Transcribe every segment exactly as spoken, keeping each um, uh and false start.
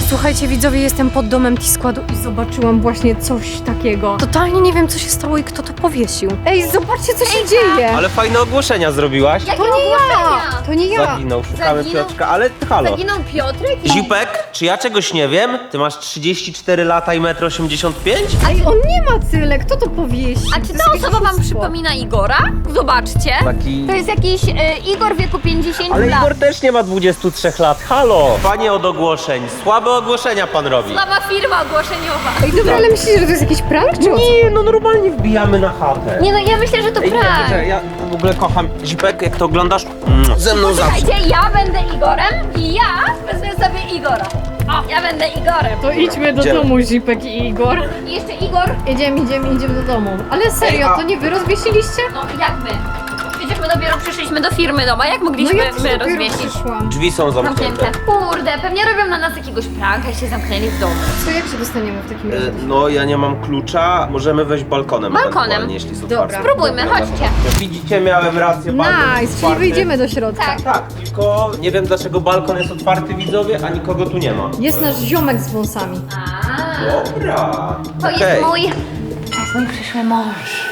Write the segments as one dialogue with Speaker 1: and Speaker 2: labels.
Speaker 1: Słuchajcie widzowie, jestem pod domem T-Składu i zobaczyłam właśnie coś takiego. Totalnie nie wiem co się stało i kto to powiesił. Ej, zobaczcie co się dzieje.
Speaker 2: Ale fajne ogłoszenia zrobiłaś.
Speaker 1: To nie ja! To nie ja!
Speaker 2: Zaginął, szukamy
Speaker 3: Zaginął?
Speaker 2: Piotrka, ale halo.
Speaker 3: Zaginął Piotrek?
Speaker 2: Zipek, czy ja czegoś nie wiem? Ty masz trzydzieści cztery lata i metr osiemdziesiąt pięć?
Speaker 1: Ej, on nie ma tyle, kto to powiesił?
Speaker 3: A czy
Speaker 1: To
Speaker 3: ta
Speaker 1: jest
Speaker 3: osoba wam
Speaker 1: oszustwo.
Speaker 3: przypomina Igora? Zobaczcie.
Speaker 2: Taki...
Speaker 3: To jest jakiś e, Igor w wieku pięćdziesięciu
Speaker 2: Ale
Speaker 3: lat.
Speaker 2: Igor też nie ma dwudziestu trzech lat, halo! Panie od ogłoszeń, słabe ogłoszenia pan robi.
Speaker 3: Słaba firma ogłoszeniowa.
Speaker 1: Ej, dobra, ale myślisz, że to jest jakiś prank, czy o co?
Speaker 2: Nie, no normalnie wbijamy na chatę.
Speaker 3: Nie no, ja myślę, że to
Speaker 2: Ej, nie,
Speaker 3: prank.
Speaker 2: nie, ja w ogóle kocham Zipek, jak to oglądasz, mm, ze mną zawsze.
Speaker 3: Słuchajcie, ja będę Igorem i ja wezmę sobie Igora. O, ja będę Igorem.
Speaker 1: To idźmy do
Speaker 2: Idziemy.
Speaker 1: domu, Zipek i Igor.
Speaker 3: I jeszcze Igor.
Speaker 1: Idziemy, idziemy, idziemy do domu. Ale serio,
Speaker 2: Ej, a-
Speaker 1: to nie wy rozwiesiliście?
Speaker 3: No jak my? Przecież my dopiero przyszliśmy do firmy doma. Jak
Speaker 1: No
Speaker 3: mogliśmy
Speaker 1: ja też
Speaker 3: my
Speaker 1: dopiero
Speaker 3: rozwiesić?
Speaker 1: przyszłam.
Speaker 2: Drzwi są zamknięte.
Speaker 3: Zamknięte. Kurde, pewnie robią na nas jakiegoś pranka i się zamknęli w domu.
Speaker 1: Co, jak się dostaniemy w takim razie?
Speaker 2: E, No, ja nie mam klucza, możemy wejść balkonem.
Speaker 3: Balkonem.
Speaker 2: ewentualnie, jeśli jest
Speaker 1: Dobra.
Speaker 2: otwarte.
Speaker 3: Spróbujmy,
Speaker 2: Dobra,
Speaker 3: chodźcie.
Speaker 2: no. Widzicie, miałem rację, balkon jest
Speaker 1: Nice, czyli
Speaker 2: otwarty.
Speaker 1: wyjdziemy do środka.
Speaker 3: Tak.
Speaker 2: Tak, tylko nie wiem dlaczego balkon jest otwarty, widzowie, a nikogo tu nie ma.
Speaker 1: Jest nasz ziomek z wąsami.
Speaker 3: A,
Speaker 2: Dobra.
Speaker 3: to jest
Speaker 2: Okej.
Speaker 3: mój... To jest mój przyszły mąż.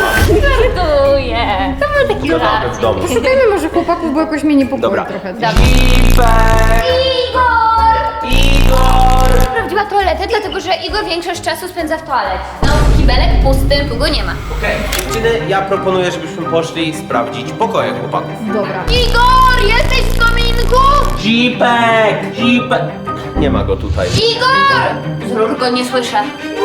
Speaker 3: Żartuję. To był taki
Speaker 2: Gadamy w
Speaker 3: żarcik.
Speaker 2: domu.
Speaker 1: Poszukajmy może chłopaków, bo jakoś mnie niepokoi
Speaker 2: Dobra.
Speaker 1: trochę.
Speaker 2: Zipek!
Speaker 3: Igor!
Speaker 2: Igor!
Speaker 3: Sprawdziła toaletę, dlatego że Igor większość czasu spędza w toalecie. No, kibelek pusty, tu go nie ma.
Speaker 2: Okej, dziewczyny, ja proponuję, żebyśmy poszli sprawdzić pokoje chłopaków.
Speaker 1: Dobra.
Speaker 3: Igor, jesteś w kominku?
Speaker 2: Zipek! Zipek! Nie ma go tutaj.
Speaker 3: Igor! Z ruchu go nie słyszę.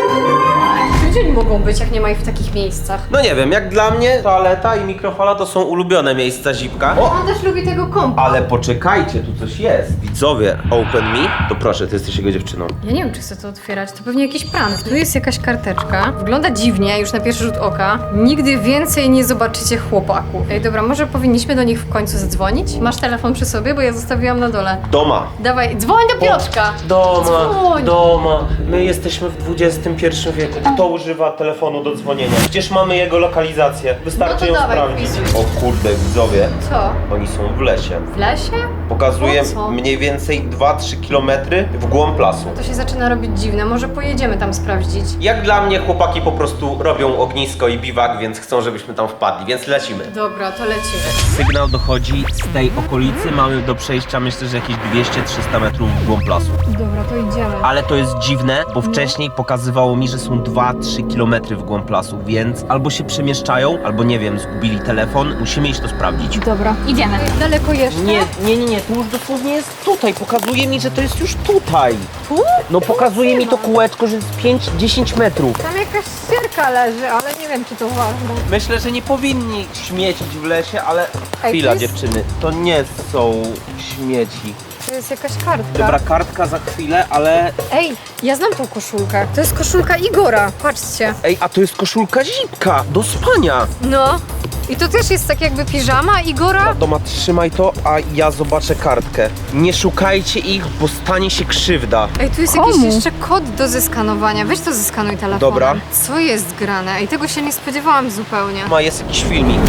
Speaker 1: Gdzie oni mogą być, jak nie ma ich w takich miejscach?
Speaker 2: No nie wiem, jak dla mnie toaleta i mikrofala to są ulubione miejsca Zipka. O!
Speaker 1: On też lubi tego kompa.
Speaker 2: Ale poczekajcie, tu coś jest. Widzowie, open me. To proszę, ty jesteś jego dziewczyną.
Speaker 1: Ja nie wiem, czy chcę to otwierać. To pewnie jakiś prank. Tu jest jakaś karteczka. Wygląda dziwnie, już na pierwszy rzut oka. Nigdy więcej nie zobaczycie chłopaków. Ej, dobra, może powinniśmy do nich w końcu zadzwonić? Masz telefon przy sobie, bo ja zostawiłam na dole.
Speaker 2: Doma.
Speaker 1: Dawaj, dzwoń do Piotrka!
Speaker 2: Doma,
Speaker 1: Dzwoń.
Speaker 2: doma. My jesteśmy w dwudziestym pierwszym wieku. Kto używa telefonu do dzwonienia? Przecież mamy jego lokalizację. Wystarczy
Speaker 1: No to
Speaker 2: ją
Speaker 1: dawaj,
Speaker 2: sprawdzić.
Speaker 1: wpisuj.
Speaker 2: O kurde, widzowie.
Speaker 1: Co?
Speaker 2: Oni są w lesie.
Speaker 1: W lesie?
Speaker 2: Pokazuje
Speaker 1: Po co?
Speaker 2: mniej więcej dwa trzy kilometry w głąb lasu.
Speaker 1: To się zaczyna robić dziwne. Może pojedziemy tam sprawdzić.
Speaker 2: Jak dla mnie chłopaki po prostu robią ognisko i biwak, więc chcą, żebyśmy tam wpadli, więc lecimy.
Speaker 1: Dobra, to lecimy.
Speaker 2: Sygnał dochodzi z tej okolicy, mamy do przejścia myślę, że jakieś dwieście trzysta metrów w głąb lasu.
Speaker 1: Dobra, to idziemy.
Speaker 2: Ale to jest dziwne, bo wcześniej pokazywało mi, że są dwa trzy kilometry w głąb lasu, więc albo się przemieszczają, albo nie wiem, zgubili telefon. Musimy iść to sprawdzić.
Speaker 1: Dobra.
Speaker 3: Idziemy.
Speaker 1: Daleko jeszcze?
Speaker 2: Nie, nie, nie, nie, to już dosłownie jest tutaj. Pokazuje mi, że to jest już tutaj.
Speaker 1: Tu?
Speaker 2: No pokazuje mi to kółeczko, że jest pięć dziesięć metrów.
Speaker 1: Tam jakaś ścierka leży, ale nie wiem, czy to ważne.
Speaker 2: Myślę, że nie powinni śmiecić w lesie, ale
Speaker 1: Ej,
Speaker 2: chwila
Speaker 1: to jest-
Speaker 2: dziewczyny, to nie są śmieci.
Speaker 1: To jest jakaś kartka.
Speaker 2: Dobra, kartka za chwilę, ale...
Speaker 1: Ej, ja znam tą koszulkę. To jest koszulka Igora. Patrzcie.
Speaker 2: Ej, a to jest koszulka Zipka do spania.
Speaker 1: No. I to też jest tak jakby piżama Igora.
Speaker 2: Doma, trzymaj to, a ja zobaczę kartkę. Nie szukajcie ich, bo stanie się krzywda.
Speaker 1: Ej, tu jest
Speaker 3: Komu?
Speaker 1: jakiś jeszcze kod do zeskanowania. Weź to zeskanuj telefonem.
Speaker 2: Dobra.
Speaker 1: Co jest grane? Ej, tego się nie spodziewałam zupełnie.
Speaker 2: Ma, jest jakiś filmik.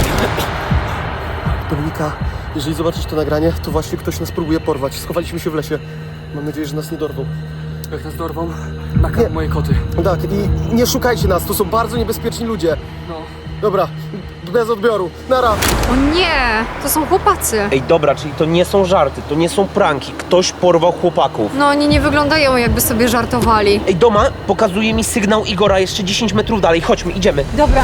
Speaker 4: Dominika, jeżeli zobaczysz to nagranie, to właśnie ktoś nas próbuje porwać. Schowaliśmy się w lesie. Mam nadzieję, że nas nie dorwą.
Speaker 5: Jak nas dorwą, nakarm moje koty.
Speaker 4: Tak, i nie szukajcie nas, to są bardzo niebezpieczni ludzie.
Speaker 5: No.
Speaker 4: Dobra, bez odbioru. Nara!
Speaker 1: O nie, to są chłopacy.
Speaker 2: Ej, dobra, czyli to nie są żarty, to nie są pranki. Ktoś porwał chłopaków.
Speaker 1: No oni nie wyglądają jakby sobie żartowali.
Speaker 2: Ej, Doma, pokazuje mi sygnał Igora jeszcze dziesięć metrów dalej. Chodźmy, idziemy.
Speaker 1: Dobra.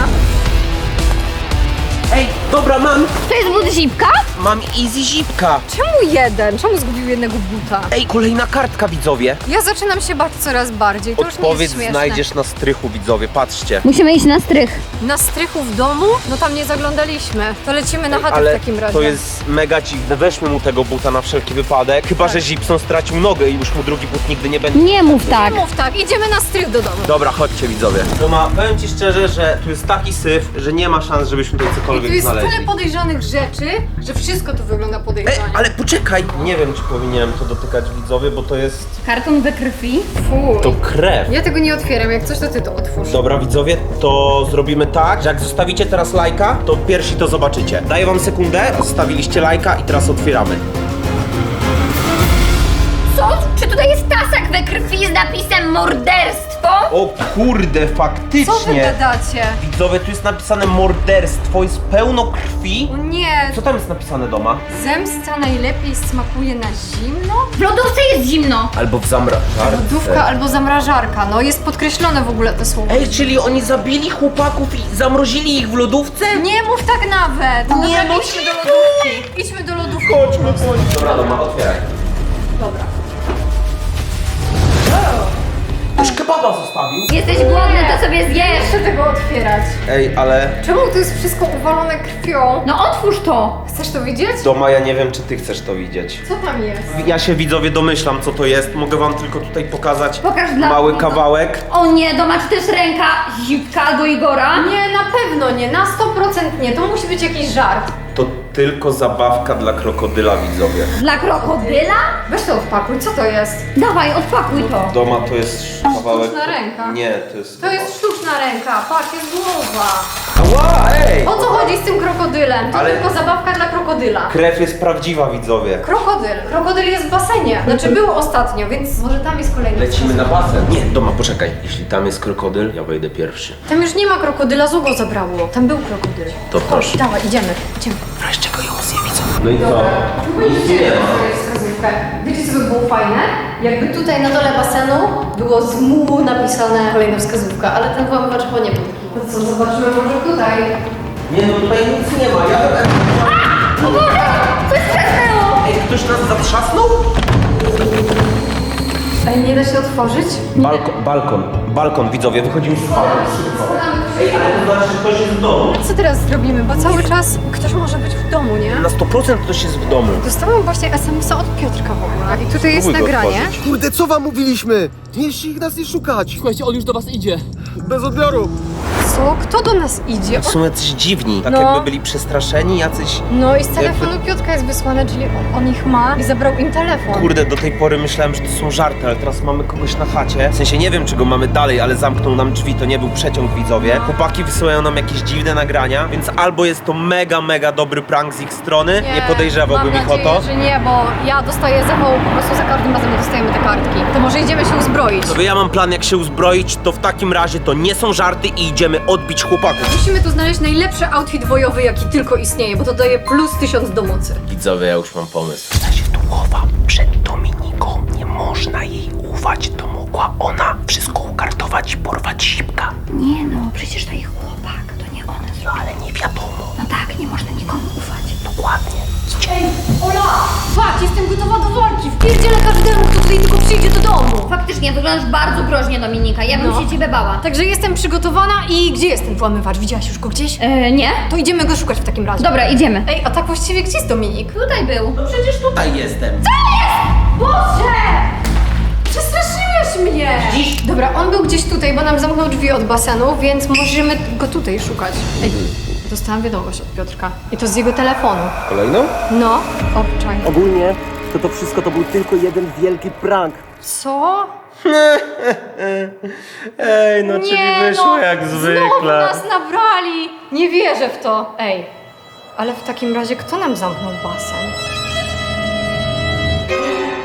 Speaker 2: Ej, dobra, mam.
Speaker 3: To jest but Zipka?
Speaker 2: Mam easy Zipka.
Speaker 1: Czemu jeden? Czemu zgubił jednego buta?
Speaker 2: Ej, kolejna kartka, widzowie.
Speaker 1: Ja zaczynam się bać coraz bardziej. To już nie
Speaker 2: Odpowiedź
Speaker 1: jest śmieszne.
Speaker 2: znajdziesz na strychu, widzowie, patrzcie.
Speaker 3: Musimy iść na strych.
Speaker 1: Na strychu w domu? No tam nie zaglądaliśmy. To lecimy na chatę
Speaker 2: Ale
Speaker 1: w takim razie.
Speaker 2: to jest mega dziwne. Weźmy mu tego buta na wszelki wypadek. Chyba,
Speaker 1: Tak.
Speaker 2: że Zipson stracił nogę i już mu drugi but nigdy nie będzie.
Speaker 3: Nie mów tak.
Speaker 1: Mów tak, idziemy na strych do domu.
Speaker 2: Dobra, chodźcie, widzowie. Toma, powiem ci szczerze, że tu jest taki syf, że nie ma szans, żebyśmy tutaj
Speaker 1: Tu
Speaker 2: cokolwiek
Speaker 1: jest
Speaker 2: znaleźli.
Speaker 1: tyle podejrzanych rzeczy, że wszystko tu wygląda
Speaker 2: Ej,
Speaker 1: podejrzanie.
Speaker 2: ale poczekaj! Nie wiem, czy powinienem to dotykać, widzowie, bo to jest...
Speaker 3: Karton we krwi.
Speaker 1: Fuj.
Speaker 2: To krew.
Speaker 1: Ja tego nie otwieram, jak coś to ty to otwórz.
Speaker 2: Dobra, widzowie, to zrobimy tak, że jak zostawicie teraz lajka, to pierwsi to zobaczycie. Daję wam sekundę, zostawiliście lajka i teraz otwieramy.
Speaker 3: Co? Czy tutaj jest tasak we krwi? morderstwo?
Speaker 2: O kurde,
Speaker 1: Co wy
Speaker 2: faktycznie!
Speaker 1: gadacie?
Speaker 2: Widzowie, tu jest napisane morderstwo, jest pełno krwi.
Speaker 1: O nie,
Speaker 2: Co tam jest napisane doma?
Speaker 1: zemsta najlepiej smakuje na zimno?
Speaker 3: W lodówce jest zimno.
Speaker 2: Albo w zamrażarce.
Speaker 1: Lodówka albo zamrażarka, no jest podkreślone w ogóle to słowo.
Speaker 2: Ej, czyli oni zabili chłopaków i zamrozili ich w lodówce?
Speaker 1: Nie mów tak nawet!
Speaker 2: Nie,
Speaker 1: Dobra,
Speaker 2: no
Speaker 1: idźmy do lodówki. Idźmy do lodówki.
Speaker 2: Chodźmy, chodźmy. Dobra, doma, otwieraj.
Speaker 1: Dobra.
Speaker 2: Już kebaba zostawił.
Speaker 3: Jesteś głodny, to sobie
Speaker 1: Nie
Speaker 3: zjesz.
Speaker 1: chcę tego otwierać.
Speaker 2: Ej, ale...
Speaker 1: Czemu to jest wszystko uwalone krwią?
Speaker 3: No otwórz to.
Speaker 1: Chcesz to widzieć?
Speaker 2: Doma, ja nie wiem, czy ty chcesz to widzieć.
Speaker 1: Co tam jest?
Speaker 2: Ja się, widzowie, domyślam, co to jest. Mogę wam tylko tutaj pokazać
Speaker 3: Pokaż dla
Speaker 2: mały
Speaker 3: mnie.
Speaker 2: kawałek.
Speaker 3: O nie, doma czy też ręka Zipka albo Igora?
Speaker 1: Nie, na pewno nie, na sto procent nie. To musi być jakiś żart.
Speaker 2: To tylko zabawka dla krokodyla, widzowie.
Speaker 3: Dla krokodyla?
Speaker 1: Weź to odpakuj, co to jest?
Speaker 3: Dawaj, odpakuj to.
Speaker 2: Doma to jest kawałek...
Speaker 1: Sztuczna ręka.
Speaker 2: Nie, to jest...
Speaker 1: To jest sztuczna ręka, patrz, jest głowa.
Speaker 2: Ała, ej!
Speaker 1: O co chodzi z tym krokodylem? To
Speaker 2: Ale-
Speaker 1: tylko zabawka dla krokodyla.
Speaker 2: Krew jest prawdziwa, widzowie.
Speaker 1: Krokodyl. Krokodyl jest w basenie. Znaczy był ostatnio, więc może tam jest kolejny.
Speaker 2: Lecimy na basen. Nie, Doma, poczekaj. Jeśli tam jest krokodyl, ja wejdę pierwszy.
Speaker 1: Tam już nie ma krokodyla, Zugo zabrało. Tam był krokodyl.
Speaker 2: To proszę.
Speaker 1: Chodź, dawaj, idziemy. Idziemy.
Speaker 2: Wreszcie go ją zje, widzę. No i co?
Speaker 1: Nic nie ma. Wiecie, co by było fajne? Jakby tutaj na dole basenu było z mu napisane kolejna wskazówka, ale ten włamywacz chyba nie był. No co, zobaczymy może tutaj.
Speaker 2: Nie, no tutaj nic nie ma. Ja...
Speaker 3: O Boże, coś przesnęło.
Speaker 2: Ej, ktoś nas zatrzasnął?
Speaker 1: Ej, nie da się otworzyć?
Speaker 2: Balkon, balkon, balkon, widzowie, wychodzimy z balkonu. Ej, ale to znaczy, że ktoś jest w domu.
Speaker 1: Co teraz zrobimy? Bo cały czas ktoś może być w domu, nie?
Speaker 2: Na sto procent ktoś jest w domu.
Speaker 1: Dostałam właśnie es em es a od Piotrka w ogóle. I tutaj jest
Speaker 2: Spróbuj go
Speaker 1: nagranie.
Speaker 2: otworzyć.
Speaker 4: Kurde, co wam mówiliśmy? Nie ich nas nie szukać.
Speaker 5: Słuchajcie, on już do was idzie.
Speaker 4: Bez odbioru.
Speaker 1: Co? Kto do nas idzie?
Speaker 2: Są jacyś dziwni, tak
Speaker 1: No.
Speaker 2: jakby byli przestraszeni, jacyś...
Speaker 1: No i z telefonu Piotrka jest wysłane, czyli on, on ich ma i zabrał im telefon.
Speaker 2: Kurde, do tej pory myślałem, że to są żarty, ale teraz mamy kogoś na chacie. W sensie nie wiem, czy go mamy dalej, ale zamknął nam drzwi, to nie był przeciąg, widzowie. Chłopaki wysyłają nam jakieś dziwne nagrania, więc albo jest to mega, mega dobry prank z ich strony, nie, podejrzewałbym
Speaker 1: mam
Speaker 2: ich o to.
Speaker 1: nadzieję, że nie, bo ja dostaję zawołu po prostu za każdym razem, jak dostajemy te kartki. To może idziemy się uzbroić.
Speaker 2: Sobie ja mam plan, jak się uzbroić, to w takim razie to nie są żarty i idziemy odbić chłopaków.
Speaker 1: Musimy tu znaleźć najlepszy outfit bojowy, jaki tylko istnieje, bo to daje plus tysiąc do mocy.
Speaker 2: Widzowie, ja już mam pomysł. Ja się tu chowa przed Dominiką. Nie można jej ufać, to mogła ona wszystko ukartować i porwać Zipka.
Speaker 3: Nie no, przecież to ich chłopak, to nie one
Speaker 2: No
Speaker 3: zrobiły.
Speaker 2: ale nie wiadomo.
Speaker 3: No tak, nie można nikomu ufać.
Speaker 2: Dokładnie.
Speaker 1: Ej, Ola! Patrz, jestem gotowa do walki! Wpierdzielę każdemu, kto tutaj tylko przyjdzie do domu!
Speaker 3: Faktycznie, wyglądasz bardzo groźnie, Dominika. Ja bym
Speaker 1: No.
Speaker 3: się ciebie bała.
Speaker 1: Także jestem przygotowana i gdzie jest ten włamywacz? Widziałaś już go gdzieś?
Speaker 3: E, nie?
Speaker 1: To idziemy go szukać w takim razie.
Speaker 3: Dobra, idziemy.
Speaker 1: Ej, a tak właściwie gdzie jest Dominik?
Speaker 3: Tutaj był. No przecież tu...
Speaker 2: Tutaj jestem.
Speaker 1: Boże! Przestraszyłeś mnie!
Speaker 2: Widzisz?
Speaker 1: Dobra, on był gdzieś tutaj, bo nam zamknął drzwi od basenu, więc możemy go tutaj szukać. Ej, dostałam wiadomość od Piotrka. I to z jego telefonu.
Speaker 2: Kolejną?
Speaker 1: No, obczaj.
Speaker 6: Ogólnie to to wszystko to był tylko jeden wielki prank.
Speaker 1: Co?
Speaker 2: Ej, no czyli wyszło
Speaker 1: no,
Speaker 2: jak
Speaker 1: Znowu
Speaker 2: zwykle.
Speaker 1: nas nabrali! Nie wierzę w to. Ej, ale w takim razie kto nam zamknął basen?